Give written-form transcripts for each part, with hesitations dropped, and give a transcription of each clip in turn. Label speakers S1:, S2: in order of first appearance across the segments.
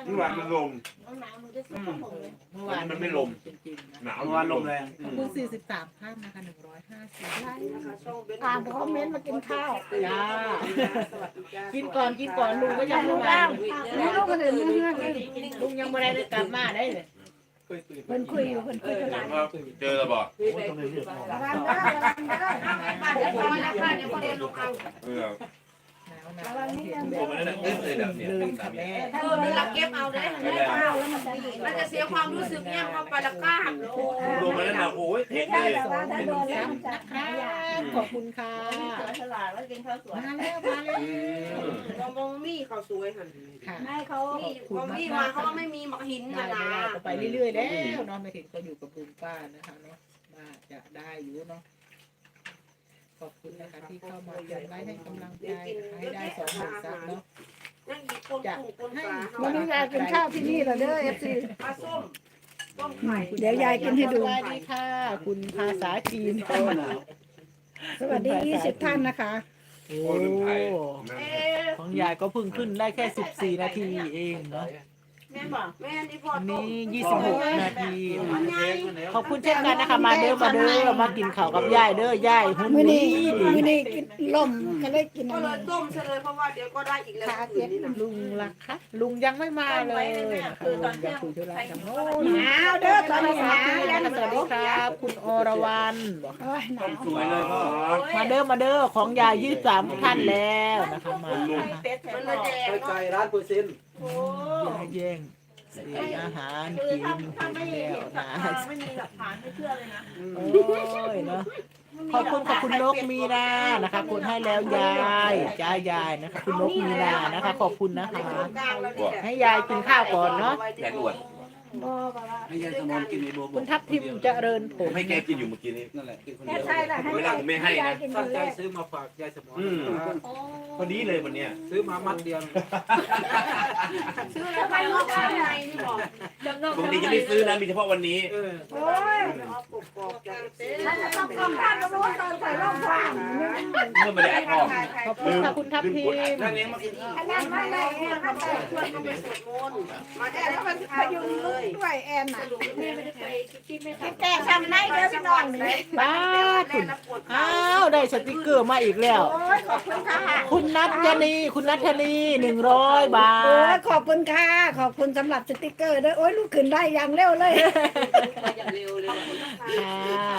S1: เมื่อวานมันลม
S2: หนาวมันจะสู้กับผมเลย
S3: เมื่อวาน
S1: มันไม่ลม
S3: จริงๆนะ
S1: หนาว
S4: เมื่อวานลมแรง
S3: ขอบคุณ43ท่านนะคะ150
S2: ไล่ตามคอมเมนต์มากินข้าว
S3: จ้ากินก่อนลุงก็ยังไม่มา
S2: แล้วลูกคนอื่นเรื่อง
S3: ลุงยังไม่ได้กลับมาได้เลย
S2: เพิ่นคุยอยู่เพิ่นคุยกันหลาย
S1: เจอแล้วบอก
S2: ระวังเด้อระวังเด้อบ้านเดี๋ยวพอแล้วค่ะเดี๋ยวพอเดินลงเอา
S3: หนาว
S2: ระวังนิดนึง
S1: โอ้มันนั่นอึ้งเลยแบบเนี้ย
S3: เลยค่ะแม่
S2: เราเก็บเอาได้ไม่ได้ข้าวแล้วมันจะดี
S5: มันจะเสียความรู้สึกเนี่ยพอปลาก้าโอ้
S1: ลมมันนั่นนะโอ้ยเท
S2: ไม่
S1: คเล
S2: ใช่
S1: ย
S2: แต่ว่าถ้าโดนแล้วมันจะ
S3: ครั
S2: หายา
S3: บขอบคุณค่ะ
S2: ฉลาดแล้วกินข้าวสวย
S3: มาแล้ว
S5: มองมี่เขาสวยหัน
S3: ค่ะ
S2: ให้เขา
S5: มองมี่มาเขาก็ไม่มีหมักหิน
S3: ได้
S5: นะ
S3: ได้
S5: นะ
S3: ก็ไปเรื่อยๆแล้วเนาะไม่ถึงก็อยู่กับลุงป้านะคะเนาะว่าจะได้อยู่เนาะขอบคุณนะคะที่เข้ามายังได้ให้กำลังใจนะคะให้ได้20,000ซับเนาะ
S5: นั่งหยิบคนกุ้งคนปลา
S2: วันนี้ยายกินข้าวที่นี่เหรอเด้อ FC
S5: ปลาส้มต้มไข่
S2: เดี๋ยวยายกินให้ดู
S3: สวัสดีค่ะ คุณภาษาจีน
S2: สวัสดี20ท่านนะคะ
S3: โอ้
S1: โอ้ลืมไทย
S3: ของยายก็เพิ่งขึ้นได้แค่14นาทีเองเนาะ
S5: แม่บอกแม่นี่พ่อ
S3: วัน
S5: ต้ม
S3: นี้26นาที
S5: มันใหญ่
S3: ขอบคุณเช่นกันนะคะมาเด้อมากินข้าวกับยายเด้อยายหุ่น
S2: มื้อ
S3: ดี
S2: นี้มื้อนี้กินล่มก็เลยกิน
S5: ก็
S2: อัน
S5: เล
S2: นี้
S5: ยต้มซะเลยเพราะว่าเดี๋ยวก็ได้อีกแล้วคืนนี้นะ
S3: ลุงล่ะคะลุงยังไม่มาเลยนะคะลุงยังคุยธุระกับโน้น
S2: หนาวเด้อตอนนี้หนาวยัน
S3: สวัสดีครับ คุณอรวรรณบอก
S2: โอ้ยหนาว
S4: สวยเลยพ่อ
S3: มาเด้อของยาย23ท่านแล้วนะคะมา
S5: มันเลยแดง
S4: ไกล
S5: เนาะ
S4: ร้านเปอร์เซ็นต์
S5: โอ้
S3: แย่งเสียอาหารกินแล้วนะ
S5: ไม่มีหลักฐานไม่เชื่อเลยนะ
S3: โอ้ยเนาะขอบคุณนกมีนานะคะคุณให้แล้วยายยายนะคะคุณนกมีนานะคะ ขอบคุณนะคะ ให้ยายกินข้าวก่อนเนาะ
S1: แกอวด
S2: บ่บ่ว่า
S4: ให้ยายสมอนกินในโบ
S3: คุณทัพทิมเจริญผ
S1: ผม
S3: ล
S1: ให้แกกินอยู่เมื่อกี้นี้
S4: นั่นแหละกินคน
S2: แค่
S4: เดียว
S2: ใช่แหละให้ยายกินค
S4: ตั้ง
S2: น
S4: ใจ
S2: แรก
S4: ซื้อมาฝากยายสมอน
S1: พอดีเลยวันเนี้ย
S4: ซื้อมามัดเดียว
S5: ซื้อแล้วไปงอกข้างในนี่บอก
S1: ปกติจะไม่ซื้อนะมีเฉพาะวันนี้
S2: โอ้ย
S5: เอากรอบๆจากเต้
S2: มันจะต้องกำพันกับรู้ตอนใส่ร่องฟาง
S1: เมื่อไม่ได้อัดออก
S3: ขอบคุณค่ะคุณทัพทิม
S4: นั่นเองมากิน
S2: ขนาดไม่ได้
S5: เนี่ยเขาไปชวนเขาไปสวดมนต์มาได้แล้วมัน
S2: พยุงลูกด้วยแอนน่ะ
S5: แม่ไม่ได้ไปคิดไม่
S2: แกทำได้เด้อพี่น้องนี่
S3: บ้าคุณอ้าวได้สติกเกอร์มาอีกแล้ว
S2: โอ้ยขอบคุณค่ะ
S3: คุณนัทยนีคุณนัทนี100 บา
S2: โอ้ย
S3: ท
S2: ขอบคุณค่ะ ขอบคุณสำหรับสติกเกอร์ด้วยโอ้ยลูกขึ้นได้อย่างเร็วเลย
S5: อย่างเร็วเลย
S3: ค่ะ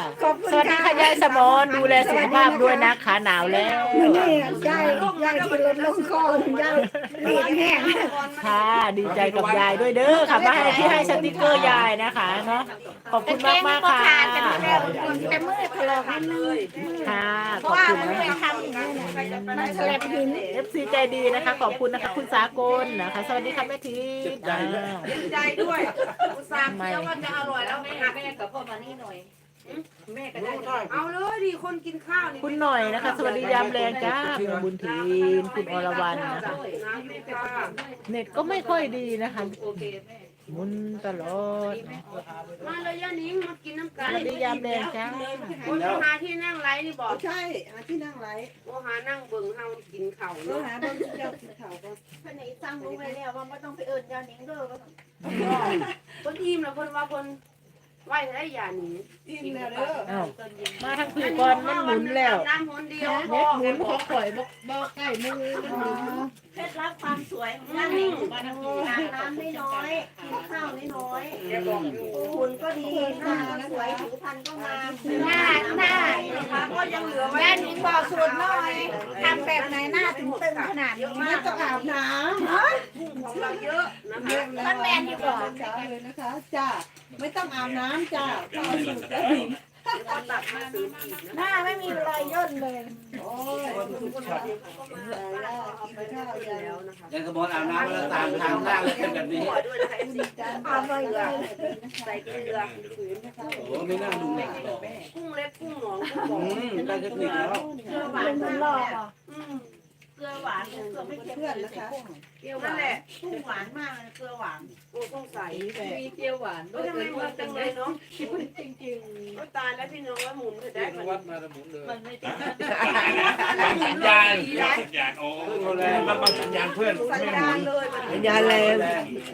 S2: ขอบคุณ
S3: สวัสดีค่ะยายสมอนดูแลสุขภาพด้วยนะคะหนาวแล้ว
S2: มื้อนี้ยายที่ลดลงคอยายรีบแห้ง
S3: ค่ะดีใจกับยายด้วยเด้อค่ะมาให้ที่ให้สติกเกอร์ยายนะคะเนาะขอบคุณมากมากๆค่ะ
S2: แต่มือถลอกนิดนึง
S3: ค่ะ
S2: เพ
S3: ข
S2: ราะ
S3: อบ
S2: ว่า
S3: คุณ
S2: มัน
S3: นะ
S2: ไป
S3: คะ
S2: ทำอย่างนี้นะมันแฉลบหิน
S3: FC ใจดีนะคะ ขอบคุณนะคะคุณสากลนะคะ สวัสดีค่ะแม่ทีอ้าว
S5: เย็นใจด้วยอุตส่าห์เคี้ยวว่าจะอร่อยแล้วไม่หัก
S2: แม่กับพ่อมานี่หน่อยแม่ก็ได้
S5: เอาเลยดิคนกินข้าวนี่
S3: คุณหน่อยนะคะ สวัสดียามแรงจ้าคุณบุญทีนคุณอรวรรณนะคะ
S5: น้ำไม่ปลา
S3: เน็ตก็ไม่ค่อยดีนะคะ
S2: โอเคแม่
S3: หมุนตลอดเนอะ
S5: มาเลยย่านิ้งมากินน้ำ
S3: ส
S5: กัน
S3: วัสดียามแรงจ้า
S5: โอ้ยหาที่นั่งไรนี่บอก
S6: ใช่หาที่นั่งไร
S5: โอ้หานั่งเบิ่งเฮากินข้าว
S6: ก็
S5: เนาะ
S6: หาบ้านเจ้ากินข้าวก็
S2: คนนี้สั่งรู้ไปแล้วว่าไม่ต้องไปเอิญยาหนิงเด้อ
S5: คนอิ่มแล้วคนว่าคนไหวได้ยานี้
S6: อิ่มแล้วเด้อ
S3: อ้าวมาทางผีก่อนมันหมุนแล้ว
S5: น้ำหนเดียวพ
S3: เน็
S5: อ
S3: ตหมุนของข่อยบอกใกล้มือมันหมุน
S2: เคล็ดลับความสวยของยาหนิงอาบน้ำไม่น้อยกินข้าวไม่น้อย
S5: แกบอกอยู่
S2: หุ่นก็ดีหน้าก็สวยผิวพรรณก็งามหน้า
S5: นะคะก็ยังเหลือไว้
S2: แม่หนิงบอกสูตรหน่อยทำแบบไหนหน้าถึงตึงขนาดนี้
S6: ไม่ต้องอาบน้
S5: กุ้งของเราเยอะนะ
S6: ำ
S5: คะ
S6: เรื่องแล้วจ้าเลยนะคะจ้าไม่ต้องอาบน้ำจ้าก็เอาสูตรแล้วถึง
S5: เราตัดมาซื้ออีกนะ
S2: หน้าไม่มีรอยย่นเลย
S6: โอ้ยคุณผู้ชมแล้วกินข้าวยาย
S5: แล้วนะคะ
S4: ยายสมอนอาบน้ำแล้วตามทางล่างเลยเป็นแบบนี้
S5: หัวด้วยนะคะ
S6: ดีจ้า
S2: เอาไปเลย
S5: ใส่เกลือ
S6: ฝืนนะคะ
S4: โอ้ไม่น่าดูหนักหรอก
S5: กุ้งเล็กกุ้งหนองกุ้งบอก
S4: ได้เทคนิคแล้ว
S2: เกลือหวานมันหลอกอ่ะ
S5: อืม
S2: เกลือหวานเกลือไม่เค็ม
S6: เพื่อนนะคะ
S5: เปรี้ยวนั่นแหละ
S2: กุ้งหวานมากเลยเกลือหวาน
S5: โอ้ต้องใส่
S2: มีเปรี้ยวหวาน
S5: ก็ทำไมเหมือนจังเลยเนาะจริงๆก็ตายแล้วพี่น้องว่าหมุนจะได้
S4: ได้
S5: มัน
S4: วัดมาแล้วหมุนเลย
S2: มันไม่
S1: บางสัญญาณบางสัญญาณโอ้บางสัญญาณเพื่อน
S5: สัญ
S1: ไม่ห
S5: ญา
S1: มุ
S5: ณ
S1: น
S5: เลยมัน
S3: สัญญาณแรง